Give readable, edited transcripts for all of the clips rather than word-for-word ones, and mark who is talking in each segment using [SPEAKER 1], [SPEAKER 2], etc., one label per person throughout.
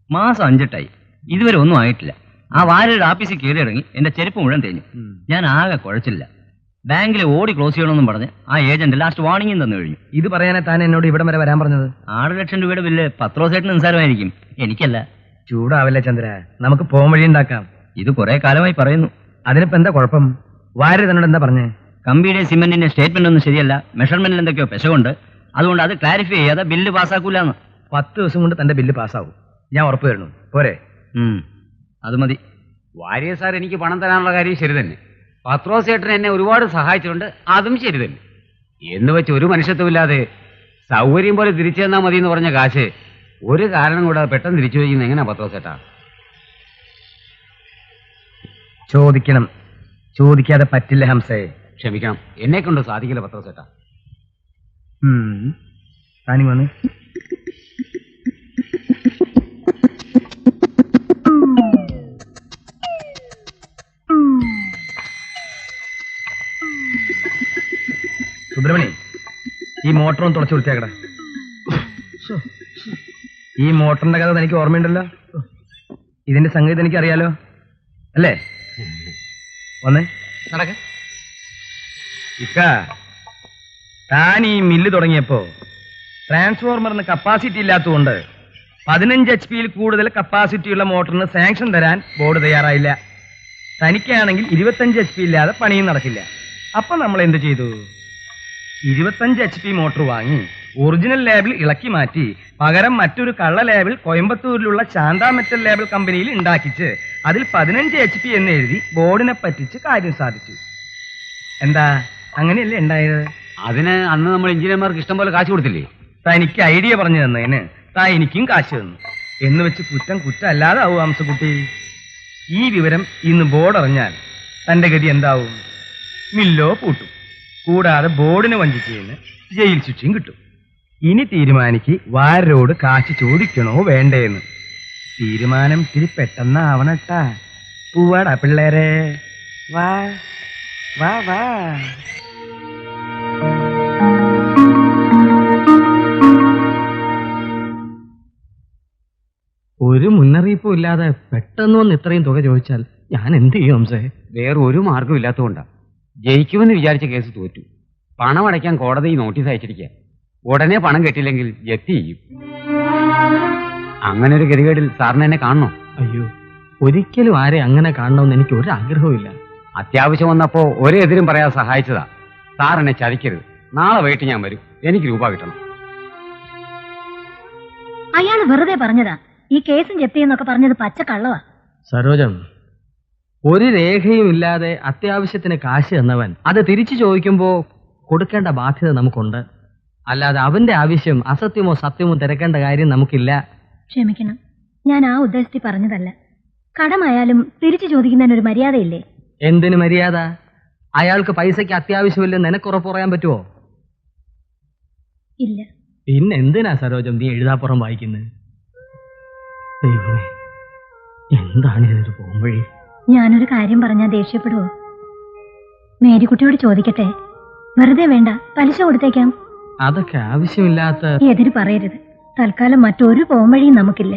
[SPEAKER 1] മാസം 5 ഇതുവരെ ഒന്നും ആയിട്ടില്ല. ആ വാര്യരുടെ ആഫീസിൽ കയറി ഇറങ്ങി എന്റെ ചെരുപ്പ് മുഴുവൻ തേഞ്ഞു. ഞാൻ ആകെ കുഴച്ചില്ല. ബാങ്കിൽ ഓടി ക്ലോസ് ചെയ്യണമെന്നും പറഞ്ഞ് ആ ഏജന്റ് ലാസ്റ്റ് വാർണിംഗും തന്നു കഴിഞ്ഞു.
[SPEAKER 2] ഇത് പറയാനാ താൻ എന്നോട് ഇവിടം വരെ വരാൻ പറഞ്ഞത്?
[SPEAKER 1] 6 ലക്ഷം രൂപയുടെ ബില്ല് പത്രോസേട്ടിന് നിസ്സാരമായിരിക്കും, എനിക്കല്ല.
[SPEAKER 2] ചൂടാവില്ല ചന്ദ്ര, നമുക്ക് പോകാൻ വഴി ഉണ്ടാക്കാം.
[SPEAKER 1] ഇത് കുറെ കാലമായി പറയുന്നു.
[SPEAKER 2] അതിനിപ്പോ എന്താ കുഴപ്പം? വാര്യ തന്നോട് എന്താ പറഞ്ഞേ?
[SPEAKER 1] കമ്പിയുടെ സിമെന്റിന്റെ സ്റ്റേറ്റ്മെന്റ് ഒന്നും ശരിയല്ല, മെഷർമെന്റിൽ എന്തൊക്കെയോ പെശകുണ്ട്, അതുകൊണ്ട് അത് ക്ലാരിഫൈ ചെയ്യാതെ ബില്ല് പാസ്സാക്കൂലെന്ന്.
[SPEAKER 2] 10 ദിവസം കൊണ്ട് തന്റെ ബില്ല് പാസ്സാവും, ഞാൻ ഉറപ്പ് തരുന്നു. പോരെ?
[SPEAKER 1] അത് മതി.
[SPEAKER 3] വാര്യ സാർ എനിക്ക് പണം തരാനുള്ള കാര്യം ശരി തന്നെ. പത്രോസേട്ടൻ എന്നെ ഒരുപാട് സഹായിച്ചിട്ടുണ്ട്, അതും ശരി തന്നെ. എന്ന് വെച്ച് ഒരു മനുഷ്യത്വമില്ലാതെ സൗകര്യം പോലെ തിരിച്ചു തന്നാൽ മതി എന്ന് പറഞ്ഞ കാശ് ഒരു കാരണം കൂടാതെ പെട്ടെന്ന് തിരിച്ചു വയ്ക്കുന്നത് എങ്ങനെയാ പത്രോസേട്ടാ?
[SPEAKER 2] ചോദിക്കണം, ചോദിക്കാതെ പറ്റില്ല ഹംസേ.
[SPEAKER 3] ക്ഷമിക്കണം, എന്നെ കൊണ്ട് സാധിക്കില്ല പത്രോസേട്ടാ.
[SPEAKER 2] താനി വന്ന് സുബ്രഹ്മണി, ഈ മോട്ടറൊന്ന് തുളച്ചു വൃത്തിയാക്കട. ഈ മോട്ടറിന്റെ കഥ എനിക്ക് ഓർമ്മയുണ്ടല്ലോ, ഇതിന്റെ സംഗതി എനിക്ക് അറിയാലോ അല്ലേ? വന്നേ നടക്ക. ഇക്ക, താൻ ഈ മില്ല് തുടങ്ങിയപ്പോ ട്രാൻസ്ഫോർമറിന് കപ്പാസിറ്റി ഇല്ലാത്തതുകൊണ്ട് 15 HP കൂടുതൽ കപ്പാസിറ്റിയുള്ള മോട്ടറിന് സാങ്ഷൻ തരാൻ ബോർഡ് തയ്യാറായില്ല. തനിക്കാണെങ്കിൽ 25 HP ഇല്ലാതെ പണിയും നടക്കില്ല. അപ്പൊ നമ്മൾ എന്ത് ചെയ്തു? 25 HP മോട്ടോർ വാങ്ങി ഒറിജിനൽ ലേബിൾ ഇളക്കി മാറ്റി പകരം മറ്റൊരു കള്ള ലേബിൾ കോയമ്പത്തൂരിലുള്ള ശാന്ത മെറ്റൽ ലേബിൾ കമ്പനിയിൽ ഉണ്ടാക്കിച്ച് അതിൽ 15 HP എന്ന് എഴുതി ബോർഡിനെ പറ്റിച്ച് കാര്യം സാധിച്ചു. എന്താ, അങ്ങനെയല്ലേ ഉണ്ടായത്?
[SPEAKER 3] അതിന് അന്ന് നമ്മൾ എഞ്ചിനീയർമാർക്ക് ഇഷ്ടം പോലെ കാശ് കൊടുത്തില്ലേ?
[SPEAKER 2] തനിക്ക് ഐഡിയ പറഞ്ഞു തന്നതിന് താൻ എനിക്കും കാശ് തന്നു എന്ന് വെച്ച് കുറ്റം കുറ്റമല്ലാതെ ആവും ഹംസക്കുട്ടി. ഈ വിവരം ഇന്ന് ബോർഡ് അറിഞ്ഞാൽ തന്റെ ഗതി എന്താവും? മില്ലോ പൂട്ടും, കൂടാതെ ബോർഡിന് വഞ്ചിച്ചതിന് ജയിൽ ശിക്ഷയും കിട്ടും. ഇനി തീരുമാനിക്ക് വാരോട് കാശ് ചോദിക്കണോ വേണ്ടേന്ന്. തീരുമാനം ഇത്തിരി പെട്ടെന്നാവണട്ടാ. പൂവാടാ പിള്ളേരെ, വാ വാ വാ. ഒരു മുന്നറിയിപ്പും ഇല്ലാതെ പെട്ടെന്ന് വന്ന് ഇത്രയും തുക ചോദിച്ചാൽ ഞാൻ എന്ത് ചെയ്യും ഹംസേ?
[SPEAKER 3] വേറെ ഒരു മാർഗം ഇല്ലാത്തതുകൊണ്ടാ. ജയിക്കുമെന്ന് വിചാരിച്ച കേസ് തോറ്റു. പണം അടയ്ക്കാൻ കോടതി നോട്ടീസ് അയച്ചിരിക്കുക. ഉടനെ പണം കെട്ടില്ലെങ്കിൽ ജപ്തി ചെയ്യും. അങ്ങനെ ഒരു ഗതികേടിൽ സാറിന് എന്നെ കാണണോ?
[SPEAKER 2] അയ്യോ, ഒരിക്കലും ആരെ അങ്ങനെ കാണണമെന്ന് എനിക്ക് ഒരു ആഗ്രഹവും ഇല്ല.
[SPEAKER 3] അത്യാവശ്യം വന്നപ്പോ ഒരു എതിരും പറയാതെ സഹായിച്ചതാ. സാർ എന്നെ ചതിക്കരുത്. നാളെ വൈകിട്ട് ഞാൻ വരും, എനിക്ക് രൂപ കിട്ടണം.
[SPEAKER 4] അയാൾ വെറുതെ പറഞ്ഞതാ. ഈ കേസും ജപ്തി എന്നൊക്കെ പറഞ്ഞത് പച്ച കള്ളവാ.
[SPEAKER 2] സരോജം, ഒരു രേഖയും ഇല്ലാതെ അത്യാവശ്യത്തിന് കാശ് തന്നവൻ അത് തിരിച്ചു ചോദിക്കുമ്പോ കൊടുക്കേണ്ട ബാധ്യത നമുക്കുണ്ട്. അല്ലാതെ അവന്റെ ആവശ്യം അസത്യമോ സത്യമോ തിരക്കേണ്ട കാര്യം നമുക്കില്ല.
[SPEAKER 4] ക്ഷമിക്കണം, ഞാൻ ആ ഉദ്ദേശത്തിൽ പറഞ്ഞതല്ല. കടമായാലും തിരിച്ചു ചോദിക്കുന്നതിനൊരു മര്യാദയില്ലേ?
[SPEAKER 2] എന്തിനു മര്യാദ? അയാൾക്ക് പൈസയ്ക്ക് അത്യാവശ്യമില്ലെന്ന് നിനക്കുറപ്പ് പറയാൻ പറ്റുമോ?
[SPEAKER 4] ഇല്ല.
[SPEAKER 2] പിന്നെ എന്തിനാ സരോജം നീ എഴുതാപ്പുറം വായിക്കുന്നത്? ദൈവമേ, എന്താണ് ഇതൊരു പോംവഴി?
[SPEAKER 4] ഞാനൊരു കാര്യം പറഞ്ഞാൽ ദേഷ്യപ്പെടുവോ? മേരിക്കുട്ടിയോട് ചോദിക്കട്ടെ? വെറുതെ വേണ്ട, പലിശ കൊടുത്തേക്കാം.
[SPEAKER 2] അതൊക്കെ ആവശ്യമില്ലാത്ത.
[SPEAKER 4] എതിര് പറയരുത്. തൽക്കാലം മറ്റൊരു പോംവഴിയും നമുക്കില്ല.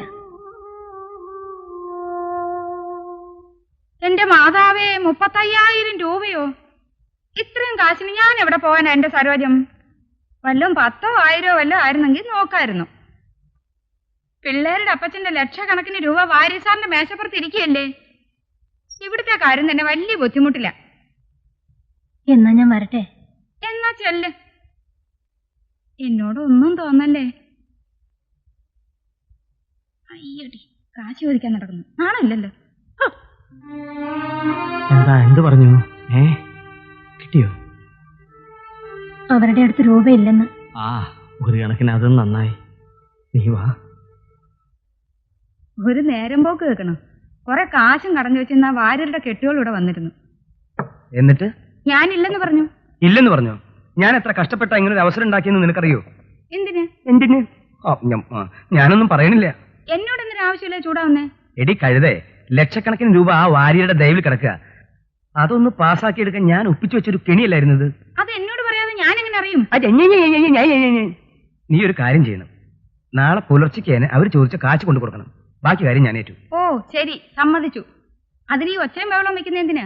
[SPEAKER 5] എന്റെ മാതാവേ, 35,000 രൂപയോ? ഇത്രയും കാശിന് ഞാൻ എവിടെ പോവാനാ എന്റെ സരോജം? വല്ലതും 10,000 1000 വല്ലതും ആയിരുന്നെങ്കിൽ നോക്കായിരുന്നു. പിള്ളേരുടെ അപ്പച്ചന്റെ ലക്ഷക്കണക്കിന് രൂപ വാര്യസാറിന്റെ മേശപ്പുറത്ത് ഇരിക്കുകയല്ലേ. ഇവിടുത്തെ കാര്യം തന്നെ വലിയ ബുദ്ധിമുട്ടില്ല.
[SPEAKER 4] എന്നാ ഞാൻ വരട്ടെ?
[SPEAKER 5] എന്നാ ചെല്ല്. എന്നോടൊന്നും തോന്നല്ലേ. അയ്യടി, കാശ് ചോദിക്കാൻ നടക്കുന്നു. ആണല്ലോ.
[SPEAKER 2] എന്താ, എന്ത് പറഞ്ഞു? കിട്ടിയോ?
[SPEAKER 4] അവരുടെ അടുത്ത് രൂപയില്ലെന്ന്.
[SPEAKER 2] ആ, ഒരു കണക്കിന് അതും നന്നായി. നീ വാ.
[SPEAKER 5] ഒരു നേരം പോക്ക് കേൾക്കണം. കുറെ കാശും കടഞ്ഞു വെച്ചിരുന്ന വാര്യരുടെ കെട്ടുകളിവിടെ വന്നിരുന്നു.
[SPEAKER 2] എന്നിട്ട്
[SPEAKER 5] ഞാനില്ലെന്ന് പറഞ്ഞു.
[SPEAKER 2] ഇല്ലെന്ന് പറഞ്ഞു? ഞാൻ എത്ര കഷ്ടപ്പെട്ട ഇങ്ങനെ ഒരു അവസരം ഉണ്ടാക്കിയെന്ന് നിനക്കറിയോ?
[SPEAKER 5] എന്തിന്?
[SPEAKER 2] എന്തിന്? ഞാനൊന്നും പറയണില്ല.
[SPEAKER 5] എന്നോട് എന്തിനു ആവശ്യമില്ല ചൂടാവുന്നേ?
[SPEAKER 2] എടി കഴുതേ, ലക്ഷക്കണക്കിന് രൂപ ആ വാര്യരുടെ ദയവിൽ കിടക്കുക. അതൊന്ന് പാസ്സാക്കി എടുക്കാൻ ഞാൻ ഒപ്പിച്ചു വെച്ചൊരു കെണിയല്ലായിരുന്നത്.
[SPEAKER 5] അത് എന്നോട് പറയാതെ ഞാൻ എങ്ങനെ അറിയും?
[SPEAKER 2] നീ ഒരു കാര്യം ചെയ്യണം. നാളെ പുലർച്ചയ്ക്ക് അവർ ചോദിച്ച കാശ് കൊണ്ടു കൊടുക്കണം. ബാക്കി കാര്യം ഞാൻ ഏറ്റു.
[SPEAKER 5] ഓ ശരി, സമ്മതിച്ചു. അതിന് ഈ ഒച്ചയും ബഹളം വെക്കുന്ന എന്തിനാ?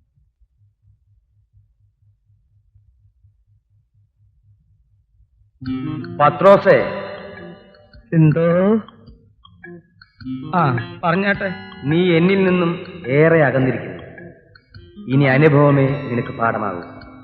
[SPEAKER 2] പത്രോസേ, എന്തോ? ആ പറഞ്ഞാട്ടെ. നീ എന്നിൽ നിന്നും ഏറെ അകന്നിരിക്കുന്നു. ഇനി അനുഭവമേ നിനക്ക് പാഠമാകൂ.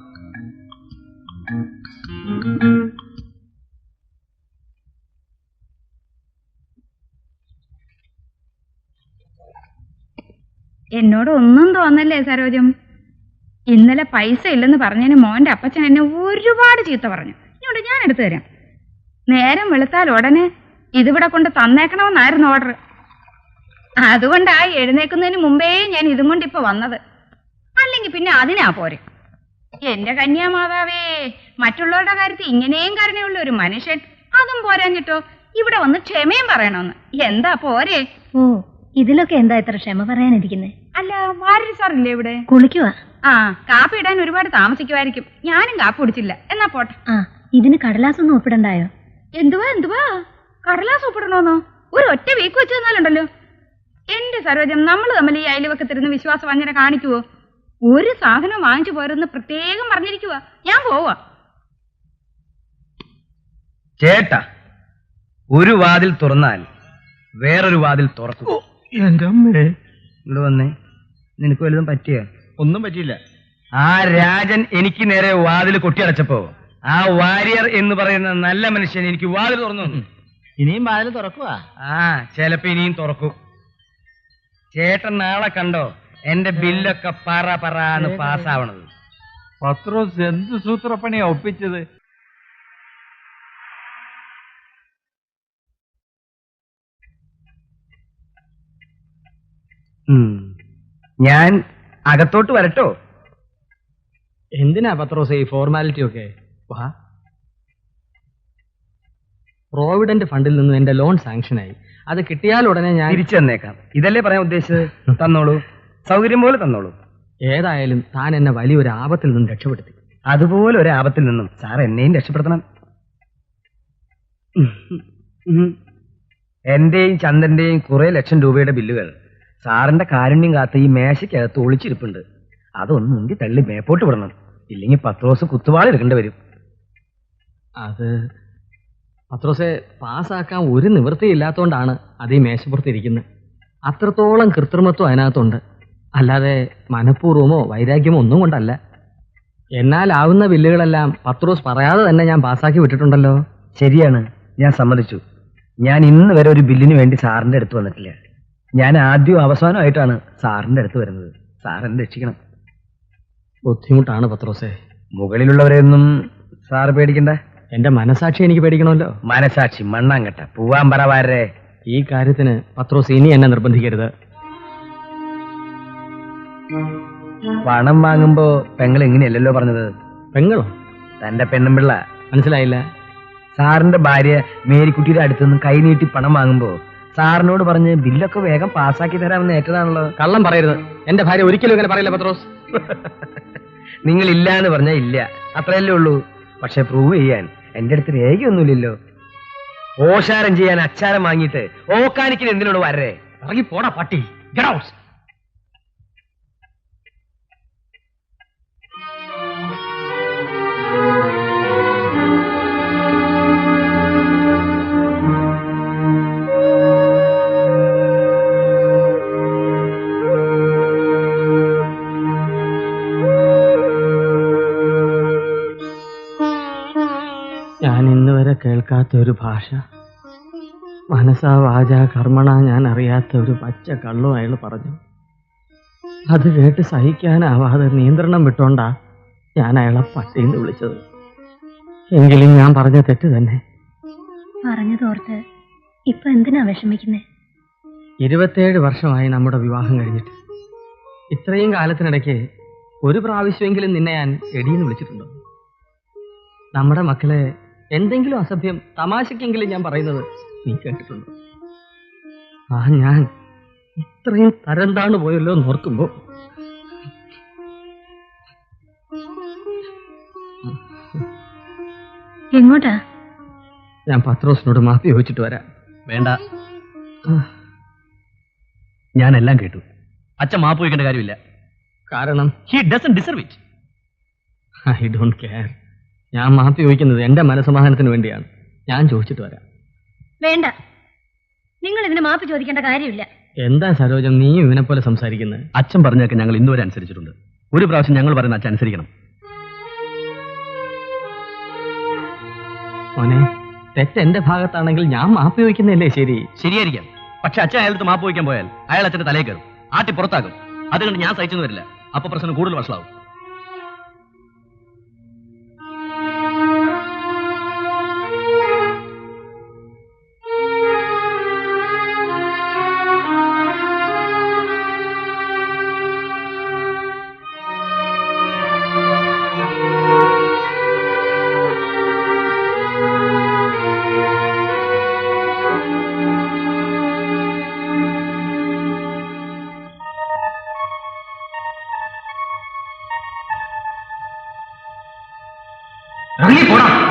[SPEAKER 5] എന്നോട് ഒന്നും തോന്നല്ലേ സരോജം? ഇന്നലെ പൈസ ഇല്ലെന്ന് പറഞ്ഞതിന് മോന്റെ അപ്പച്ചൻ എന്നെ ഒരുപാട് ചീത്ത പറഞ്ഞു. ഇങ്ങോട്ട് ഞാൻ എടുത്തു തരാം. നേരം വെളുത്താൽ ഉടനെ ഇതിവിടെ കൊണ്ട് തന്നേക്കണമെന്നായിരുന്നു ഓർഡർ. അതുകൊണ്ടാ എഴുന്നേക്കുന്നതിന് മുമ്പേ ഞാൻ ഇതും കൊണ്ട് ഇപ്പൊ വന്നത്. അല്ലെങ്കിൽ പിന്നെ അതിനാ പോരെ. എന്റെ കന്യാമാതാവേ, മറ്റുള്ളവരുടെ കാര്യത്തിൽ ഇങ്ങനെയും കരുണയുള്ള ഒരു മനുഷ്യൻ, അതും പോരാഞ്ഞിട്ടോ ഇവിടെ വന്ന് ക്ഷമയും പറയണമെന്ന്. എന്താ പോരെ?
[SPEAKER 4] ഓ, ഇതിലൊക്കെ എന്താ ഇത്ര ക്ഷമ പറയാനിരിക്കുന്നേ?
[SPEAKER 5] അല്ല, വാര്യർ സാറില്ലേ ഇവിടെ?
[SPEAKER 4] കുളിക്കുവാ.
[SPEAKER 5] ആ, കാപ്പി ഇടാൻ ഒരുപാട് താമസിക്കുമായിരിക്കും. ഞാനും കാപ്പി കുടിച്ചില്ല. എന്നാ പോട്ടെ.
[SPEAKER 4] ആ, ഇതിന് കടലാസൊന്നും ഒപ്പിടണ്ടായോ?
[SPEAKER 5] എന്തുവാ കടലാസ് ഒപ്പിടണോന്നോ? ഒരു ഒറ്റ വീക്ക് വെച്ച് തന്നാലുണ്ടല്ലോ. എന്റെ സരോജം, നമ്മൾ തമ്മിൽ ഈ അയൽവക്കത്തിരുന്ന് വിശ്വാസവഞ്ചന കാണിക്കുവോ? ഒരു സാധനം വാങ്ങിച്ചു പോരെന്ന് പ്രത്യേകം പറഞ്ഞിരിക്കുവാ. ഞാൻ പോവാ.
[SPEAKER 2] ചേട്ടാ, ഒരു വാതിൽ തുറന്നാൽ വേറൊരു വാതിൽ തുറക്കും.
[SPEAKER 6] എന്റെ അമ്മേ,
[SPEAKER 2] ഇവിടെ വന്നേ. നിനക്ക് വല്ലതും പറ്റിയ?
[SPEAKER 6] ഒന്നും പറ്റിയില്ല.
[SPEAKER 2] ആ രാജൻ എനിക്ക് നേരെ വാതിൽ കൊട്ടിയടച്ചപ്പോ ആ വാര്യർ എന്ന് പറയുന്ന നല്ല മനുഷ്യൻ എനിക്ക് വാതിൽ തുറന്നു.
[SPEAKER 6] ഇനിയും വാതിൽ തുറക്കുക.
[SPEAKER 2] ആ, ചിലപ്പോ ഇനിയും തുറക്കും. ചേട്ടൻ നാളെ കണ്ടോ എന്റെ ബില്ലൊക്കെ പറന്ന് പാസ്സാവണത്.
[SPEAKER 6] പത്രോസ് എന്ത് സൂത്രപ്പണിയാ ഒപ്പിച്ചത്?
[SPEAKER 2] ഞാൻ അകത്തോട്ട് വരട്ടോ?
[SPEAKER 7] എന്തിനാ പത്രോസ് ഈ ഫോർമാലിറ്റി ഒക്കെ? വാ. പ്രോവിഡന്റ് ഫണ്ടിൽ നിന്ന് എന്റെ ലോൺ സാങ്ഷനായി. അത് കിട്ടിയാൽ ഉടനെ ഞാൻ
[SPEAKER 2] തിരിച്ചു തന്നേക്കാം. ഇതല്ലേ പറയാൻ ഉദ്ദേശിച്ചത്? തന്നോളൂ, സൗകര്യം പോലെ തന്നോളൂ.
[SPEAKER 7] ഏതായാലും താൻ എന്നെ വലിയൊരു ആപത്തിൽ നിന്നും രക്ഷപ്പെടുത്തി.
[SPEAKER 2] അതുപോലെ ഒരു ആപത്തിൽ നിന്നും സാർ എന്നെയും രക്ഷപ്പെടുത്തണം. എന്റെയും ചന്ദ്രന്റെയും കുറെ ലക്ഷം രൂപയുടെ ബില്ലുകൾ സാറിന്റെ കാരുണ്യം കാത്ത് ഈ മേശയ്ക്കകത്ത് ഒളിച്ചിരിപ്പുണ്ട്. അതൊന്ന് മുന്തി തള്ളി മേപ്പോട്ട് വിടണം. ഇല്ലെങ്കിൽ പത്രോസ് കുത്തുവാൾ എടുക്കേണ്ടി വരും.
[SPEAKER 7] അത് പത്രോസെ, പാസ്സാക്കാൻ ഒരു നിവൃത്തിയില്ലാത്തതുകൊണ്ടാണ് അത് ഈ മേശപ്പുറത്തിരിക്കുന്നത്. അത്രത്തോളം കൃത്രിമത്വം അതിനകത്തുണ്ട്. അല്ലാതെ മനഃപൂർവ്വമോ വൈരാഗ്യമോ ഒന്നും കൊണ്ടല്ല. എന്നാലാവുന്ന ബില്ലുകളെല്ലാം പത്രോസ് പറയാതെ തന്നെ ഞാൻ പാസ്സാക്കി വിട്ടിട്ടുണ്ടല്ലോ.
[SPEAKER 2] ശരിയാണ്, ഞാൻ സമ്മതിച്ചു. ഞാൻ ഇന്ന് വരെ ഒരു ബില്ലിന് വേണ്ടി സാറിന്റെ അടുത്ത് വന്നിട്ടില്ല. ഞാൻ ആദ്യവും അവസാനമായിട്ടാണ് സാറിന്റെ അടുത്ത് വരുന്നത്. സാർ എന്നെ രക്ഷിക്കണം.
[SPEAKER 7] ബുദ്ധിമുട്ടാണ് പത്രോസെ.
[SPEAKER 2] മുകളിലുള്ളവരെയൊന്നും സാറ് പേടിക്കണ്ട.
[SPEAKER 7] എന്റെ മനസാക്ഷി എനിക്ക് പേടിക്കണമല്ലോ.
[SPEAKER 2] മനസാക്ഷി മണ്ണാങ്കട്ട പൂവാൻ പറവാരേ.
[SPEAKER 7] ഈ കാര്യത്തിന് പത്രോസ് ഇനി എന്നെ നിർബന്ധിക്കരുത്.
[SPEAKER 2] പണം വാങ്ങുമ്പോ പെങ്ങൾ എങ്ങനെയല്ലല്ലോ പറഞ്ഞത്?
[SPEAKER 7] പെങ്ങളോ?
[SPEAKER 2] തന്റെ പെണ്ണുമ്പിള്ള.
[SPEAKER 7] മനസ്സിലായില്ല.
[SPEAKER 2] സാറിന്റെ ഭാര്യ മേരിക്കുട്ടിയുടെ അടുത്തുനിന്ന് കൈനീട്ടി പണം വാങ്ങുമ്പോ സാറിനോട് പറഞ്ഞ് ബില്ലൊക്കെ വേഗം പാസ്സാക്കി തരാമെന്ന് ഏറ്റതാണല്ലോ.
[SPEAKER 7] കള്ളം പറയരുത്. എന്റെ ഭാര്യ ഒരിക്കലും ഇങ്ങനെ പറയില്ല പത്രോസ്.
[SPEAKER 2] നിങ്ങൾ ഇല്ല എന്ന് പറഞ്ഞാൽ ഇല്ല, അത്രയല്ലേ ഉള്ളൂ. പക്ഷെ പ്രൂവ് ചെയ്യാൻ എന്റെ അടുത്ത് രേഖയൊന്നുമില്ലല്ലോ. ഓശാരം ചെയ്യാൻ അച്ചാരം വാങ്ങിയിട്ട് ഓക്കാനിക്കിന് എന്തിനോട് വരേ?
[SPEAKER 7] ഇറങ്ങി പോടാ പട്ടി. Get out. ഞാൻ ഇന്നുവരെ കേൾക്കാത്ത ഒരു ഭാഷ, മനസാ വാച കർമ്മണ ഞാൻ അറിയാത്ത ഒരു പച്ച കള്ളും അയാൾ പറഞ്ഞു. അത് കേട്ട് സഹിക്കാനാവാതെ നിയന്ത്രണം വിട്ടോണ്ടാ ഞാൻ അയാളെ പട്ടിന്ന് വിളിച്ചത്. എങ്കിലും ഞാൻ പറഞ്ഞ തെറ്റ് തന്നെ.
[SPEAKER 4] പറഞ്ഞതോർത്ത് ഇപ്പൊ എന്തിനാ വിഷമിക്കുന്നേ?
[SPEAKER 7] 27 വർഷമായി നമ്മുടെ വിവാഹം കഴിഞ്ഞിട്ട്. ഇത്രയും കാലത്തിനിടയ്ക്ക് ഒരു പ്രാവശ്യമെങ്കിലും നിന്നെ ഞാൻ എടീന്ന് വിളിച്ചിട്ടുണ്ടോ? നമ്മുടെ മക്കളെ എന്തെങ്കിലും അസഭ്യം തമാശക്കെങ്കിലും ഞാൻ പറയുന്നത് നീ കേട്ടിട്ടുണ്ടോ? ആ, ഞാൻ ഇത്രയും തരം താണു പോയല്ലോ എന്ന് ഓർക്കുമ്പോ
[SPEAKER 4] എങ്ങോട്ടാ?
[SPEAKER 7] ഞാൻ പത്രോസിനോട് മാപ്പി ചോദിച്ചിട്ട് വരാം.
[SPEAKER 1] വേണ്ട. ഞാൻ എല്ലാം കേട്ടു. അച്ഛൻ മാപ്പ് വയ്ക്കേണ്ട കാര്യമില്ല.
[SPEAKER 7] കാരണം
[SPEAKER 1] he doesn't deserve it.
[SPEAKER 7] I don't care. ഞാൻ മാപ്പി ചോദിക്കുന്നത് എന്റെ മനസ്സമാധാനത്തിന് വേണ്ടിയാണ്. ഞാൻ ചോദിച്ചിട്ട് വരാം.
[SPEAKER 4] വേണ്ട, നിങ്ങൾ ഇതിന് മാപ്പ് ചോദിക്കേണ്ട കാര്യമില്ല.
[SPEAKER 7] എന്താ സരോജം നീ ഇവനെ പോലെ സംസാരിക്കുന്നത്?
[SPEAKER 1] അച്ഛൻ പറഞ്ഞൊക്കെ ഞങ്ങൾ ഇന്നുവരെ അനുസരിച്ചിട്ടുണ്ട്. ഒരു പ്രാവശ്യം ഞങ്ങൾ പറയുന്ന അച്ഛൻ അനുസരിക്കണം.
[SPEAKER 7] മോനെ, തെറ്റ് എന്റെ ഭാഗത്താണെങ്കിൽ ഞാൻ മാപ്പി ചോദിക്കുന്നതല്ലേ ശരി?
[SPEAKER 1] ശരിയായിരിക്കാം. പക്ഷെ അച്ഛൻ അയാളത്ത് മാപ്പ് വയ്ക്കാൻ പോയാൽ അയാൾ അച്ഛന്റെ തലയിൽ കയറും, ആട്ടി പുറത്താകും. അതുകൊണ്ട് ഞാൻ സഹിച്ചെന്ന് വരില്ല. അപ്പൊ പ്രശ്നം കൂടുതൽ വഷളാവും.
[SPEAKER 2] ഇറങ്ങി പോടാ.